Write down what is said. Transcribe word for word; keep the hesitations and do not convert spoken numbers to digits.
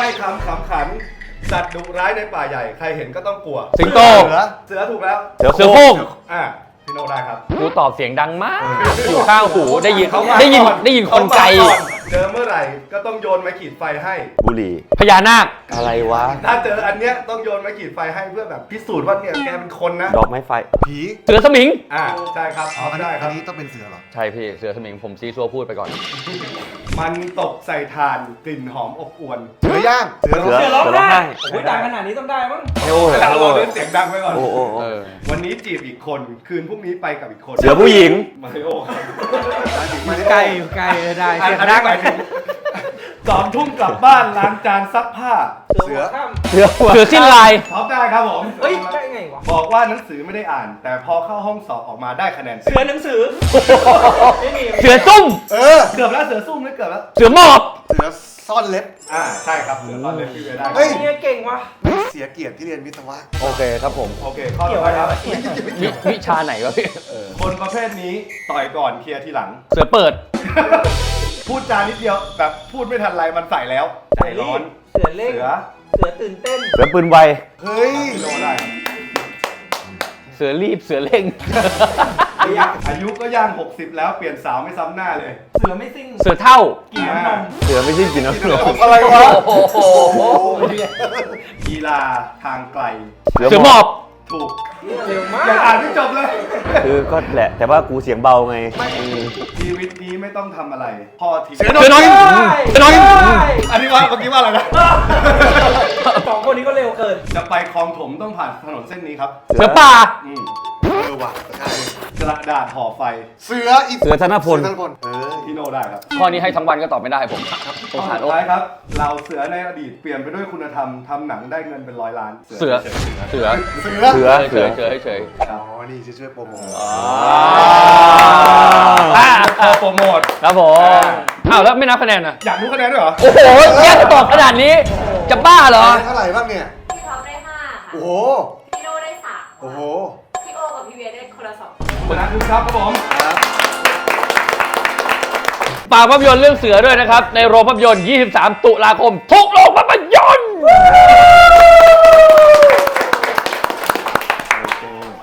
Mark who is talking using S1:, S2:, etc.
S1: บ้คำขำขันสัตว์ดุร้ายในป่าใหญ่ใครเห็นก็ต้องกลัว
S2: สิงโต
S1: เสือเสือถูกแล้ว
S2: เสือเสือโคร่ง
S1: อ่ะพี่โนได้ครับ
S2: กูตอบเสียงดังมากอยู่ข้างหูได้ยิน
S1: เขามา
S2: ได้ยิน
S1: ก่อ
S2: ได้ยินคนไกล
S1: เขามาอนเจอเมื่อไหร่ก็ต้องโยนไม้ขีดไฟให้
S3: บุหรี่
S2: พญานาค
S3: อะไรวะ
S1: ถ้าเจออันเนี้ยต้องโยนไม้ขีดไฟให้เพื่อแบบพิสูจน์ว่าเนี่ยแกเป็นคนนะ
S3: ดอกไม้ไฟ
S4: ผี
S2: เสือสมิง
S1: อ่าใช่ครับอ๋อ
S4: อัน
S1: ได้
S4: นี้
S1: ค
S4: อั
S1: รั
S4: น
S1: บ
S4: นี้ต้องเป็นเสือเหรอ
S2: ใช่พี่เสือสมิงผมซีซัวพูดไปก่อน
S1: มันตกใส่ถ่านกลิ่นหอมอบอวน
S4: เสือย่าง เสือ
S3: เสือ
S4: ร้อง
S3: เสือร้องไห้
S5: โอ้ยดังขนาดนี้ต้องได้มั้ง
S3: เฮโอเหรอ
S1: เรา
S3: เฮโอ
S1: เล่นเสียงดังไปก่อน
S3: โอ้โอ้โอ้
S2: เออ
S1: วันนี้จีบอีกคนคืนพรุ่งนี้ไปกับอีกคน
S3: เสือผู้หญิง
S1: มาริโอครับ
S5: ใกล้อยู่ใกล้ได้
S1: อัน
S5: เสียง
S1: อัน
S5: ดั
S1: นี้
S5: ง
S1: หมายถึงสองทุ่มกลับบ้านล้างจานซักผ้า
S4: เสือ
S5: ข้าม
S2: เสือเสือสิ้นลาย
S1: ท็อปได้ครับผม
S5: เฮ้ยได้ไงวะ
S1: บอกว่าหนังสือไม่ได้อ่าน แต่พอเข้าห้องสอบออกมาได้คะแนน
S5: เสือหนังสือไม่มี
S2: เสือซุ่ม
S4: เออ
S1: เกือบแล้วเสือซุ่มไม่เกือบแล้ว
S2: เสือหมอบ
S4: เสือซ่อนเล็บ
S1: อ่าใช่ครับเสือตอนเล่นพี่เวได้
S4: เฮ้ย
S5: เนี่ยเก่งวะ
S4: ไม่เสียเกียรติที่เรียนวิศวะ
S3: โอเคครับผม
S1: โอเคข้อ
S5: เกี่
S1: ต่
S5: ย
S1: อ
S5: ว
S1: ไป
S5: อะไร
S1: ครับ
S5: วะ
S2: วิวิชาไหนวะพี่
S1: คนประเภทนี้ต่อยก่อนเคลียร์ทีหลัง
S2: เสือเปิด
S1: พูดจานิดเดียวแบบพูดไม่ทันไรมันใส่แล้วใจร้อน
S5: เสือเล่ง
S1: เสือ
S5: เสือตื่นเต้น
S3: เสือปืนไว
S4: เฮ้ย
S1: พี่โนได้ครับ
S2: เสือรีบเสือเร่ง
S1: อายุก็ย่างหกสิบแล้วเปลี่ยนสาวไม่ซ้ำหน้าเลย
S5: เสือไม่ซิ่ง
S2: เสือเท่า
S5: กินน้ำนม
S3: เสือไม่ใช่กินน้ำนม
S4: อะไรวะ
S2: โอ้โห
S1: กีฬาทางไกล
S2: เสือหมอบ
S1: ถูก
S5: เร็วมา
S1: อย่าก อ่านไม่จบเลย
S3: คือก็แหละ แต่ว่ากูเสียงเบาไงอืม
S1: ชีวิตนี้ไม่ต้องทำอะไร พ่อทิ้ง
S2: เสือน้อยเสือน้อย
S1: อันนี้ว่าเมื่อกี้ว่าอะไรนะ
S5: สองคนนี้ก็เร็วเกิน
S1: จะไปคลองถมต้องผ่านถนนเส้นนี้ครับ
S2: เสือป่า
S1: อืม
S4: เออว่ะใช่
S1: กระดาษห่อไฟ
S4: เสืออี
S3: เสือธนพล
S4: เสือธนพล เออ
S1: พี่โนได้ครับ
S2: ข้อนี้ให้ทั้งวันก็ตอบไม่ได้ผมส
S1: ข้อง
S2: สาร
S1: สุ
S2: โอ้
S1: ดท้ายครับ เราเสือในอดีตเปลี่ยนไปด้วยคุณธรรมทำหนังได้เงินเป็นร้อยล้าน
S2: เสือ เสือ
S4: เสือ
S3: เสือ
S2: เฉยเฉยเฉย
S4: อ๋อ นี่จะช่วยโปรโมท
S2: อ่า
S1: พอโปรโมท
S2: ครับผมอ้าวแล้วไม่นับคะแนนอ่ะ
S1: อยากรู้คะแนนด้วยเหรอ
S2: โอ้โหแย่ตอบขนาดนี้ จะบ้าเหรอ
S4: เท่าไหร่บ้างเนี่ย
S6: พี่ท็อปได้ห้าค่ะ
S4: โอ้โห
S6: พี่โน่ได้สาม
S4: โอ้โห
S6: พี่โอกับพี่เวียได้คนละสอง
S1: คนนั้นคือครับครับผม
S2: ฝากภาพยนตร์เรื่องเสือด้วยนะครับ ในโรงภาพยนตร์ ยี่สิบสาม ตุลาคม ทุกโรงภาพยนตร์